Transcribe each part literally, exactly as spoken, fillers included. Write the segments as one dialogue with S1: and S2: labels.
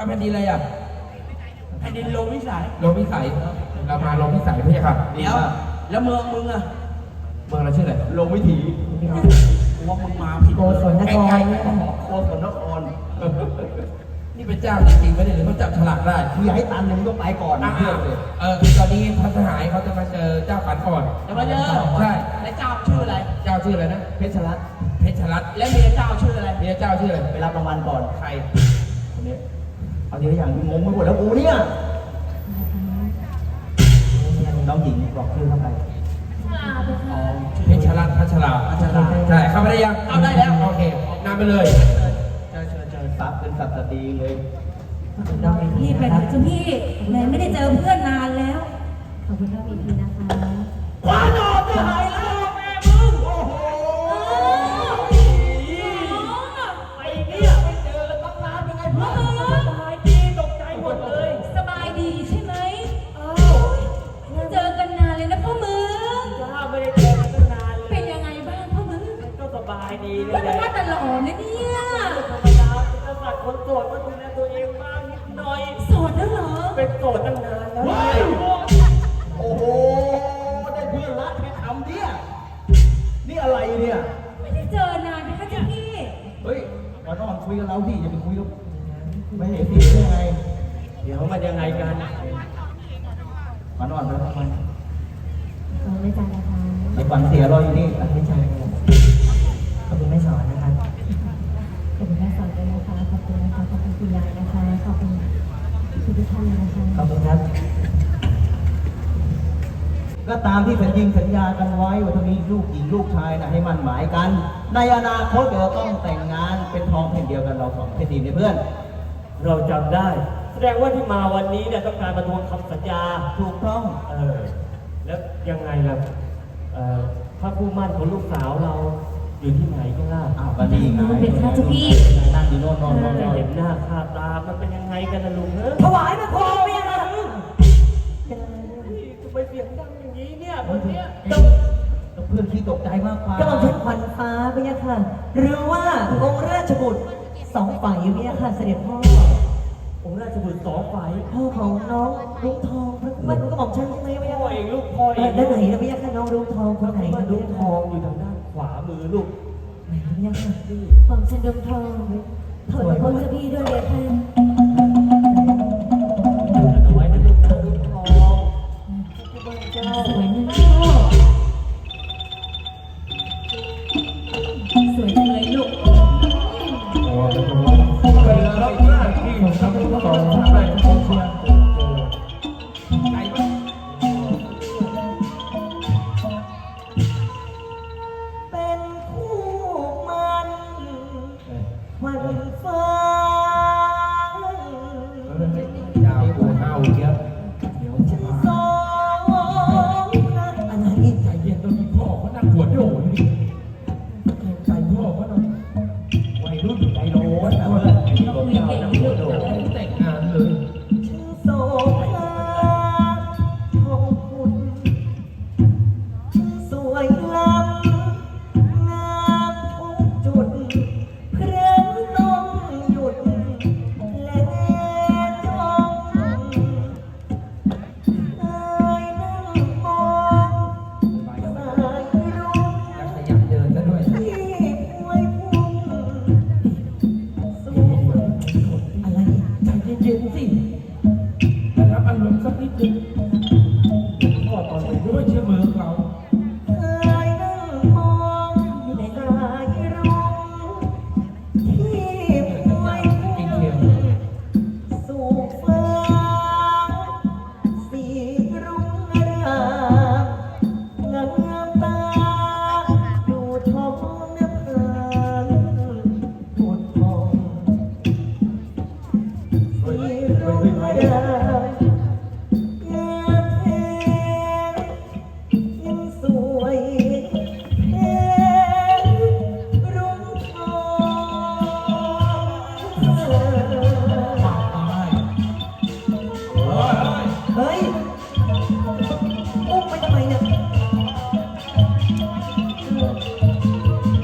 S1: แผ่นดินอะไรอ่ะ
S2: แผ่นดินโลวิสัย
S1: โลมิสัยเรามาโลมิสัยพี่ครับ
S2: แล้วแล้วเมืองมึงอะ
S1: เมืองเราชื่ออะไร
S2: โลวิถีกูว่ามึงมาผิด
S3: โกศลนคร
S2: โกศลนคร
S1: นี่เป็นเจ้าจริงๆไม่ได้หรือเขาจับฉลากได้
S2: คืออย่าให้ตันเลยมึงต้องไปก่อนนะ
S1: เออตอนนี้พระสหายเขาจะมาเจอเจ้าฝันก่อน
S2: จะมาเจอ
S1: ใช่
S2: แล้วเจ้าชื่ออะไร
S1: เจ้าชื่ออะไรนะ
S2: เพชรรัตน์
S1: เพชรรัตน์
S2: และเมียเจ้าชื่ออะไร
S1: เมียเจ้าชื่ออะไร
S2: ไปรับรางวัลก่อน
S1: ใคร
S2: คนนี้เอาทีละอย่างงงไปหมดแล้วกูเนี่ยน้องหญิงบอกชื่อเข้าไป
S1: เพชรรัตน์พัชรา
S2: พัชรา
S1: ใช่เข้าไปได้ยัง
S2: เข้าได้แล้ว
S1: โอเคนำไปเลย
S2: เชิญเชิญเชิญซับเป็นสัตว์ดีเลย
S4: พี่ไปเถอะจ้ะพี่ไหนไม่ได้เจอเพื่อนนานแล้วขอบคุณครับอีกทีนะคะ
S2: คว้าดอกจะหายแล้วแม่มึงโอ้โหไอ้เนี่ยไม่เจอตั้งนานเป็นไงเพื่อนสบายดีตกใจหมดเลย
S4: สบายดีใช่ไหมอ้าวไม่เจอกันนานเลยนะพ่อมึง
S2: จ้าไม่ได้เจอกันตั้งนานเลย
S4: เป็นยังไงบ้างพ่อมึง
S2: ก็สบายดีเลย
S4: ว่าแต่หล่อนะเนี่ย
S2: ธรรมดาเป็นสัตว์คนโสดก็ดูแลตัวเองบ้างนิดหน่อย
S4: โสดแล้วเหรอ
S2: เป็นโสดตั้งนานแล้วโอ้โหได้เพื่อนรักแค่ทำเนี่ยนี่อะไรเนี่ย
S4: ไม่ได้เจอนานนะคะจ้ะพี่
S2: เฮ้ยมาต้องคุยกับเราดิอย่าไปคุยกับไม่เห็นพี่ได้ไงเดี๋ยวมันยังไงกันมานอนไปแล้วมัน
S4: ขอบคุณจ้านะคะ
S2: ไอ้ควันเสียรออยู่นี่
S3: ไม่ใช่ขอบคุณแม่สอนนะคะ
S4: ขอบคุณแม่สอนด้วยนะคะขอบคุณนะคะขอบคุณคุณยายนะคะขอบคุณทุกท่านนะคะ
S3: ขอบคุณครับ
S2: ก็ตามที่สัญญิงสัญญากันไว้ว่าถ้ามีลูกหญิงลูกชายนะให้มั่นหมายกันในอนาคตเราต้องแต่งงานเป็นทองแผ่นเดียวกันเราสองแผ่นดินเพื่อน
S5: เราจำได้แสดงว่าที่มาวันนี้เนี่ยต้องการมาทวงคำสัญญา
S2: ถูกต้อง
S5: เออแล้วยังไงล่ะเอ่อพระผู้มั่นของลูกสาวเราอยู่ที่ไหนกันล่ะ
S2: อ้าวก็นี่ไง
S4: เป็นข้าจ้ะพี่
S2: นั่งอยู่โน่นนอนนอน
S5: เห็นหน้าค่าตามันเป็นยังไงกันนะลุงเนอะ
S3: ถวายมันพอเมียนะ
S5: ทำไมเสียงดังอย่างนี้เนี่ยคนเนี้ย
S2: เพื่อนที่ตกใจมากกว่า
S3: ก็ต้องใช้ขวัญฟ้าพี่ยะค่ะหรือว่าองค์ราชบุตรสองฝ่ายพี่ยะค่ะเสด็จพ่อ
S5: องค์ราชบุตรสองฝ่าย
S3: พ่อของน้องลุงทองมันก็บอกฉันไหมพี่ยะ
S5: พ่อเองลูกพ่อเอง
S3: ด้านไหนนะพี่ยะค่ะน้องลุงทองคนไหนนะ
S5: ลุงทองอยู่ทางด้านขวามือลูก
S3: ไหนพี่ยะค่ะ
S4: ผมฉันลุงทองถอยพ้นจะพี่ด้วยเลยค่ะ
S5: เอาไว้นะลูกนะลุงทอง
S4: สวยนะสวยจังเลยลูก
S1: เป็นรับหน้าที่ของทั้งสองฝ่ายของเชียร์ใจบ้าง
S3: เป็นคู่มันวันฟ้าย
S1: าวหัวเน่าเยอะเดี๋ยวจะมา
S3: สองอะไร
S1: ใจเย็นตอนที่พ่อเขานั่งปวดโดดนี่ใจพ่อเขาหน่อยวัยรุ่นใจร้อนนะว่าต้องมีเก่งปวดโดดแต่งงานเลย
S3: ฉันโศกลาของคุณสวยล้ำงามทุกจุดเพราะต้องหยุดและจ้องเคยนั่งมองสายรุ้ง
S1: ขยันเดินซะด้วย
S3: ที่พวยพุ่งสู่อะไร
S1: ใจเย็นๆสินะครับอารมณ์สักนิดนึงพ่อตอนไปด้วยเชื่อมือเรา
S3: เคยนั่งมองสายรุ้งที่พวยพุ่งสู่ฟ้าสีรุ้งรามงามตาดูท้องน้ำตาพุดพองสีรุ้งรามงามแท้ยังสวยแท้รุ่งทองเฮ้ยอุ้มไปทำไมเนี่ย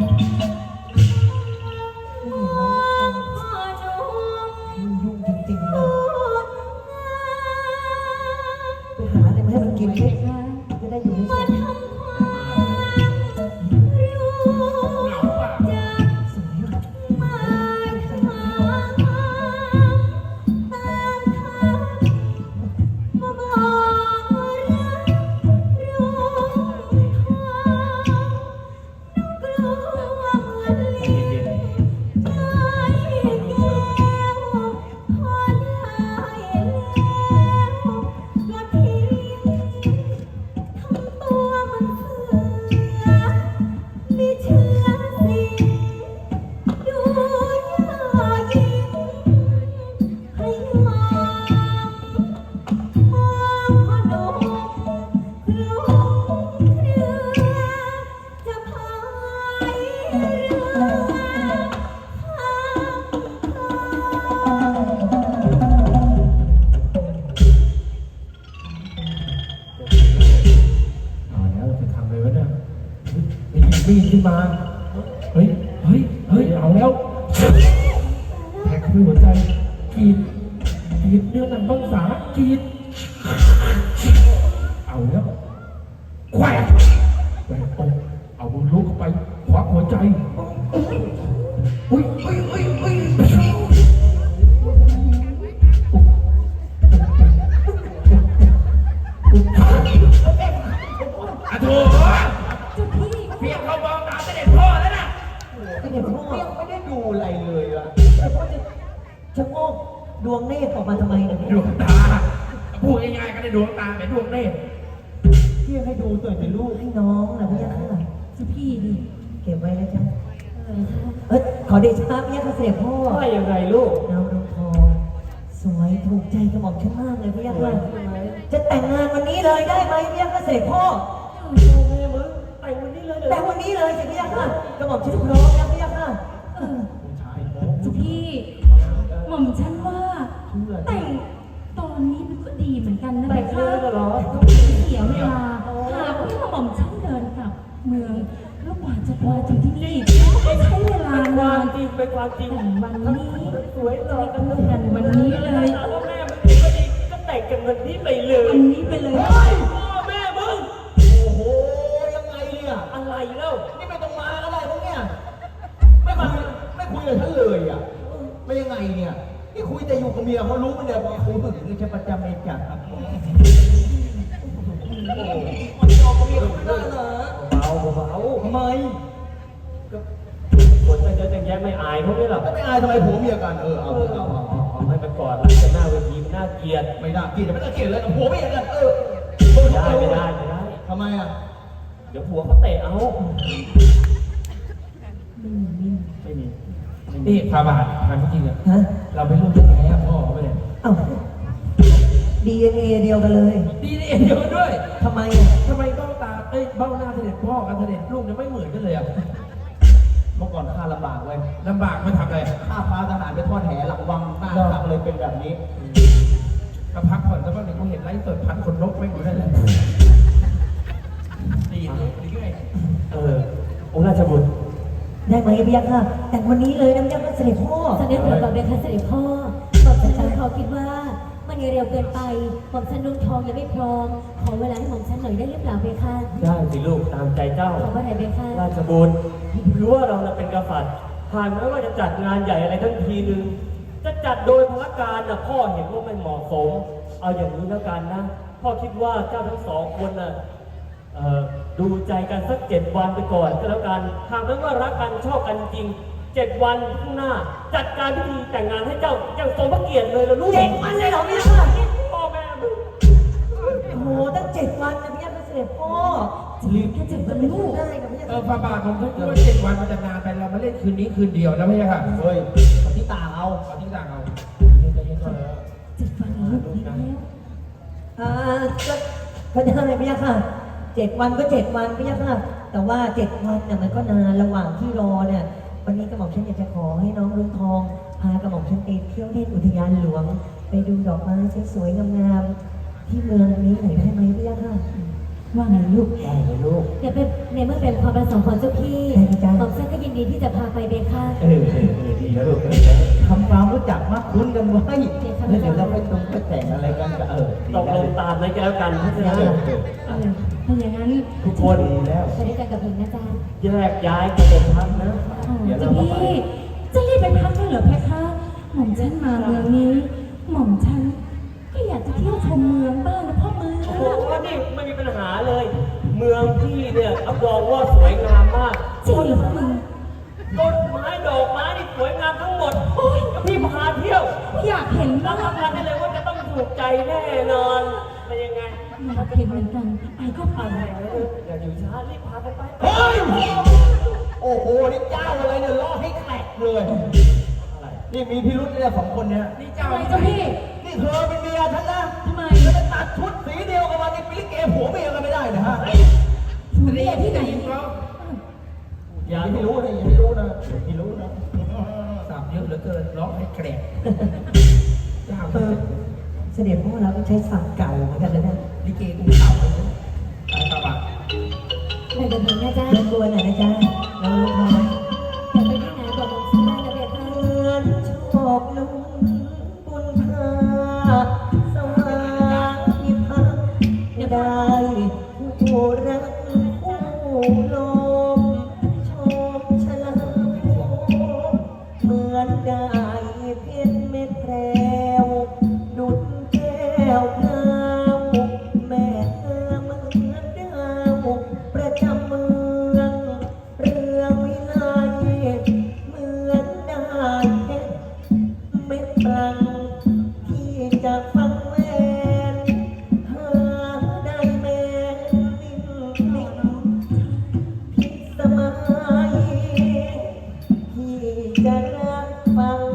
S4: พ่อหนู
S3: ยุ่งจริงๆเล
S1: ขึ้นมา เฮ้ย เฮ้ย เฮ้ย เอาแล้วแทงด้วยหัวใจกรีดกรีดเนื้อหนังบ้องสากรีดเอาแล้วแขวกแขวกอกเอามือลุกเข้าไปควักหัวใจอุ้ยอุ้ยอุ้ยอุ้ยอะโถเพียงเขามองตาเสด็จพ่อแล้วนะ
S2: เสด็จพ่อยังไม่ได้ดูอะไรเลยอะเสด็จพ่อจะชะโงกดวงเนตรออกมาทำไมเนี่ย
S1: ดวงตาพูดง่ายๆก็ได้ดวงตาเป็นดวงเนตร
S2: พี่ให้ดูตัวเป็นลูกให้น้องนะพี่ยักษ์ค่ะ
S3: เจ้าพี่ดิ
S2: เก็บไว้นะจ๊ะเอ้ยขอเดชะพี่ยักษ์ค่ะเสด็จพ่อ
S5: ว่ายังไงลูก
S2: น้องน้องทองสวยถูกใจกระหม่อมฉันมากเลยพี่ยักษ์ค่ะจะแต่งงานวันนี้เลยได้ไหมพี่ยักษ์ค่ะเสด็จพ่อ
S5: แม่มึงแต่งวันนี้เลยเหรอ
S2: แต่งวันนี้เลยสิพี่ยักษ์ค่ะกระหม่อมฉันพร้อมนะพี่ยักษ์ค่ะ
S3: เออเจ้าพี่หม่อมฉันว่าแต่งตอนนี้มันก็ดีเหมือนกันนะ
S5: แต่
S3: เบ
S5: งเล
S3: ค่ะ
S5: ยเหรอ
S3: ต้องไม่เสียเวลาหากว่าหม่อมฉันเดินกลับเมืองแล้วกว่าจะมาถึงที่นี่ก็ใช้เวลา
S5: เป็นควาน
S3: าม น
S5: จริงเป็นความจริง
S3: แต่วันนี้
S5: สวยหล่อกัน
S3: เลิกกันวันนี้เลย
S5: ถามว่าแม่มึงดีก็ดีก็แต่งกันวันนี้ไปเลย
S3: วันนี้ไปเลย
S5: เฮ้ยพ่อแม่มึง
S2: โอ้โหยังไงเนี่ย
S5: อะไรเล่า
S2: นี่ไม่ต้องมาก็ได้พวกเนี่ยไม่คุยไม่คุยกับฉันเลยอ่ะไม่ยังไงเนี่ยนี่คุยแต่อยู่กับเมียเขารู้ไหมเนี่ยว่าคุยถึงจะประจำเองจัดครับโอ้มันยอมกับเมียเขาไม่ได้เหรอ
S5: เบาเบา
S2: ทำไม
S5: ก็คนแต่เยอะแต่แยะไม่อายเขาไม่หรอก
S2: ก็ไม่อายทำไมผัวเมียกันเออเอา
S5: เอ
S2: เถ
S5: อ
S2: อะ
S5: เอา
S2: เอา
S5: เอา
S2: เอา
S5: เอาให้มันกอดรักกันหน้าเวทีมันน่าเกลียด
S2: ไม่น่าเกลียดไม่น่าเกลียดเลยกับผัวเมียกันเออ
S5: ไม่ได้ไม่ได้ไม่ได้
S2: ทำไมอ่ะ
S5: เดี๋ยวผัวเขาเตะเอา
S3: ไม่มี
S5: ไม่มี
S1: นี่พาบาททางจริงๆอะ
S2: ฮะ
S1: เราเป็นลูกแท้ๆพ่อเขาไม่ได้
S2: เอ้าดีเอ็นเอเดียวกันเลย
S1: ดีนี่เดียวกันด้วย
S2: ทำไมอ่ะ
S1: ทำไมเบ้าตาเอ้ยเบ้าหน้าเสด็จพ่อกับเสด็จลูกเนี่ยไม่เหมือนกันเลยอ่ะ
S2: เมื่อก่อนข้าลำบากเว้ย
S1: ลำบากมาทำอะไร
S2: ข้าพาทหารไปทอดแหหลังวังหน้าตักเลยเป็นแบบนี้
S1: ก็พักผ่อนสักพักหนึ่งกูเห็นไลฟ์สดพันคนนกไม่อยู่นั่นแหละดีเลยดีไง
S5: เออองค์ราชบุตร
S2: ได้ไหมพี่ยักษ์ค่ะแต่งวันนี้เลยนะพี่ยักษ์ค่ะเสด็จพ่อ
S4: เสด็จพ่อกับเบค่ะเสด็จพ่อบอกฉันฉันเขาคิดว่ามันยังเร็วเกินไปหม่อมฉันนุ่งทองยังไม่พร้อม ขอเวลาให้หม่อมฉันหน่อยได้หรือเปล่าเบค่ะ
S5: ได้สิลูกตามใจเจ้า
S4: ขอว่าไหนเบค่ะ
S5: ราชบุตรรู้ว่าเราน่ะเป็นกษัตริย์หากแม้ว่าจะจัดงานใหญ่อะไรทั้งทีหนึ่งจะจัดโดยพระการน่ะพ่อเห็นว่าไม่เหมาะสม เอาอย่างนี้แล้วกันนะพ่อคิดว่าเจ้าทั้งสองคนน่ะเอ่อดูใจกันสักเจ็ดวันไปก่อนก็แล้วกันหากแม้ว่ารักกันชอบกันจริงเจ็ดวันข้างหน้า จัดการพิธีแต่งงานให้เจ้าอย่างสมพระเกียรติเลยละลูก
S2: เจ็ดวันเลยเหรอพี่ยักษ์ค่ะ
S5: พ่อแม่มึง
S2: โอ้โหตั้งเจ็ดวันนะพี่ยักษ์ค่ะเสด็จพ่อ
S3: ลืมแค่เจ็บกันลูก
S2: ได้กับพี่ยักษ์
S1: เออ
S2: ค่ะ
S1: พาบาทผมคิดว่าเจ็ดวันมันจะนานไปเรามาเล่นคืนนี้คืนเดียวนะพี่ค่ะ
S2: เฮ้ยคนที่ต่างเอา
S1: เอาที่ต่างเอา
S3: เจ็บฟันลูกดีแล้ว
S2: อ่าก็ก็ได้พี่ยักษ์ค่ะเจ็ดวันก็เจ็ดวันพี่ยักษ์ค่ะแต่ว่าเจ็ดวันเนี่ยมันก็นานระหว่างที่รอเนี่ยวันนี้กระหม่อมฉันอยากจะขอให้น้องรุ่งทองพากระหม่อมฉันไปเที่ยวเล่นอุทยานหลวง ไปดูดอกไม้สวยๆงามๆที่เมืองนี้หน่อยได้ไหมพี่ยักษ์ค่ะ
S3: ว่าไงลูก
S2: ได้เลยลูก
S4: เดี๋ยวเป็นในเมื่อเป็นความประสงค์ของเจ้าพี่
S2: ได้จ้ะ
S4: หม่อมฉันก็ยินดีที่จะพาไปเบค่ะ
S2: เออเออเออดีแล้วลูกทำความรู้จักมากคุ้นกันไว้แล้วเดี๋ยวเราไปตรงไปแต่งอะไรกันก็เออ
S5: ตกลงตามนั้นก็แล้วกันเพราะฉะนั้น
S3: เออถ้าอย่างนั้น
S5: ทุกคน
S2: ดีแล้ว
S4: ไปด้วยกันกับหญิงนะจ๊ะ
S5: แยกย้ายกันไปพักนะ
S2: เดี๋ยว
S3: เจ้า
S2: เรา
S3: พี่จะรีบไปพักได้เหรอเพคะ หม่อมฉันมาเมืองนี้ หม่อมฉันก็อยากจะเที่ยวชมเมืองบ้างนะพ่อเมือง
S5: โอ้โหนี่ไม่มีปัญหาเลย เมืองพี่เนี่ยรับรองว่าสวยงามมาก
S3: จริงเหรอพ่อเมือง
S5: ต้นไม้ดอกไม้นี่สวยงามทั้งหมดโอ้ยกับพี่พาเที่ยว
S3: อยากเห็น
S5: รั
S3: บ้า
S5: บ
S3: ง
S5: ประกันได้เลยว่าจะต้องถูกใจแน่นอนเป็นยังไง
S3: อยากเห็นเหมือนกันไปก็ไป
S5: อะไรนะอย่าอยู่ช้ารีบพากันไป
S2: เฮ้ยโอ้โหนี่เจ้าอะไรเนี่ยล่อให้แตกเลย
S5: อะไร
S2: นี่มีพิรุธเนี่ยสองคนเนี่ย
S1: นี่เจ้า
S3: ทำไมเจ้าพี่
S2: นี่เธอเป็นเมียฉันนะ
S3: ทำไม
S2: แล้วจะตัดชุดสีเดียวกันมานี่เป็นลิเกผัวเมียกันไม่ได้นะฮะ
S3: หนูเรียกที่ไหน
S1: เขา
S2: อย่าให้รู้นะอย่าให้รู้นะอย่าให้รู้นะ
S1: สับเยอะเหลือเกินร้องให้แกรกเจ้า
S2: เออเสด็จพ่อเราต้องใช้สับเก่าเหมือนกันเลยนะ
S1: ลิเกกูเก่าเลยนะไปพาบาท
S4: ไปกับหญิงนะจ๊ะ
S2: รบกวนหน่อยนะจ๊ะ
S3: เพชรเม็ดแพรวดุจแก้วพราวแม่เธอเหมือนดาวประจำเมืองเรืองวิไลเหมือนได้เพชรเม็ดบางที่จะฟังแวนหาได้แม่นิ่งนิ่งพิสมัยที่จะรักฟัง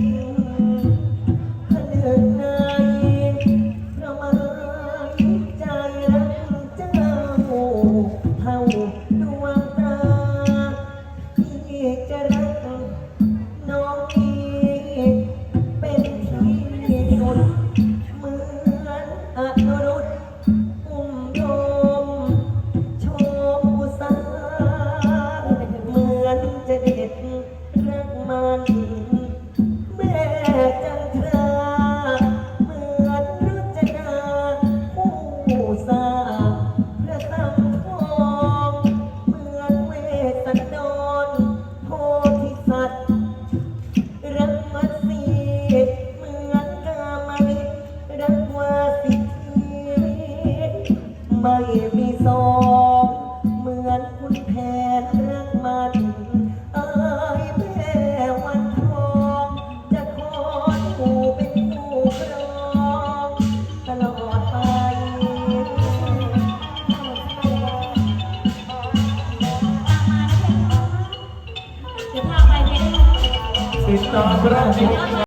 S3: พะเนืองในเพราะหมายใจรักเจ้าเท่าดวงตาที่จะรักน้องนี้เป็นที่สุดเหมือนอนุรุตอุ้มโยมโชมอุสาเหมือนจะเด็ดรักมันแม่จันทราเหมือนรุจนาผู้สร้างพระสังทองเหมือนเวสสันดรโพธิสัตว์ รักมัดสีเหมือนกามลิรักวาสิทีไม่มีสองเหมือนคุณแผนรักมันเอ้ยแม่วันทองจะขออยู่เป็นคู่ครองตลอดไป
S4: เดี๋ยวพาไปเพชร
S1: ติดตามรับชม